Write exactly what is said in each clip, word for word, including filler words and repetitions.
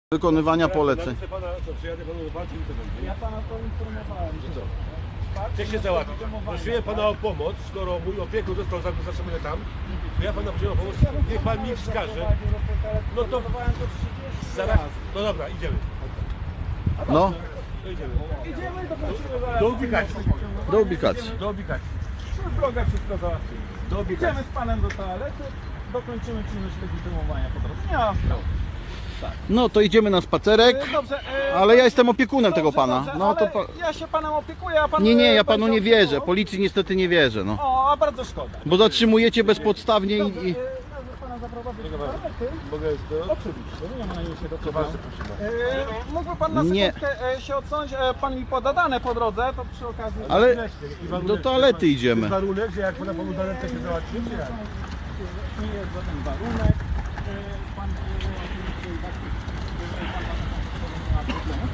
Wykonywania poleceń. Proszę pana, co, przyjadę panu do walki i to będzie. Ja pana poinformowałem, że Co? Chcę się załatwić. Prosiłem pana o pomoc, skoro mój opiekun został zatrzymany tam, to ja pana prosiłem o pomoc, niech pan mi wskaże. No to zaraz. No dobra, idziemy. No, To idziemy. idziemy, dokończymy zaraz. Do ubikacji. do ubikacji. Do ubikacji. Przez drogę wszystko załatwimy. Do ubikacji. Idziemy z panem do toalety, dokończymy czynność legitymowania po drodze. Nie ma sprawy. No to idziemy na spacerek, E, Dobrze, e, ale ja jestem opiekunem tego dobrze, pana. dobrze, No to ale pa... ja się panem opiekuję, a pan... Nie, nie, e, ja panu będzie nie wierzę. opiekował? Policji niestety nie wierzę, no. O, a bardzo szkoda. Bo zatrzymujecie bezpodstawnie Dobrze, i... i... e, może pana zaprowadzić do toalety? Mogę to? Oczywiście, nie ma na nim się do To ważne, proszę pana. E, Mógłby pan na Nie. sekundkę e, się odsunąć, e, pan mi poda dane po drodze, to przy okazji... Ale I warunek, do toalety To idziemy. jest warunek, że jak pana panu da rękę się załatwi, czy jak? Nie jest żaden warunek. E, Pan e, oczywiście i tak, e, pan ma problemu.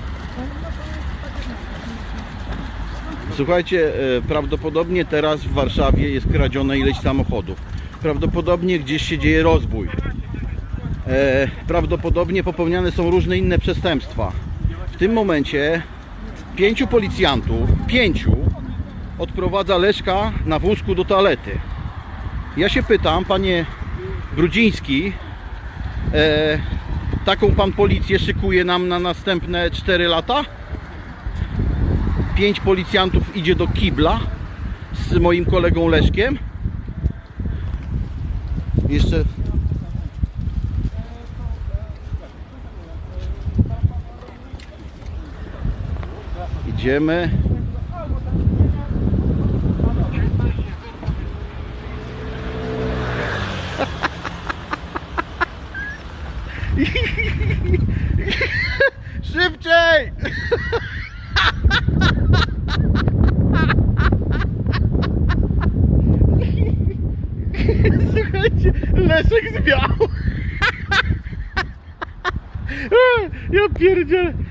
Słuchajcie, e, prawdopodobnie teraz w Warszawie jest kradzione ileś samochodów. Prawdopodobnie gdzieś się dzieje rozbój. E, prawdopodobnie popełniane są różne inne przestępstwa. W tym momencie pięciu policjantów, pięciu, odprowadza Leszka na wózku do toalety. Ja się pytam, panie Brudziński, e, taką pan policję szykuje nam na następne cztery lata? Pięć policjantów idzie do kibla z moim kolegą Leszkiem. Jeszcze... Idziemy. Szybciej! Słuchajcie, Leszek zwiał. Ja pierdzielę.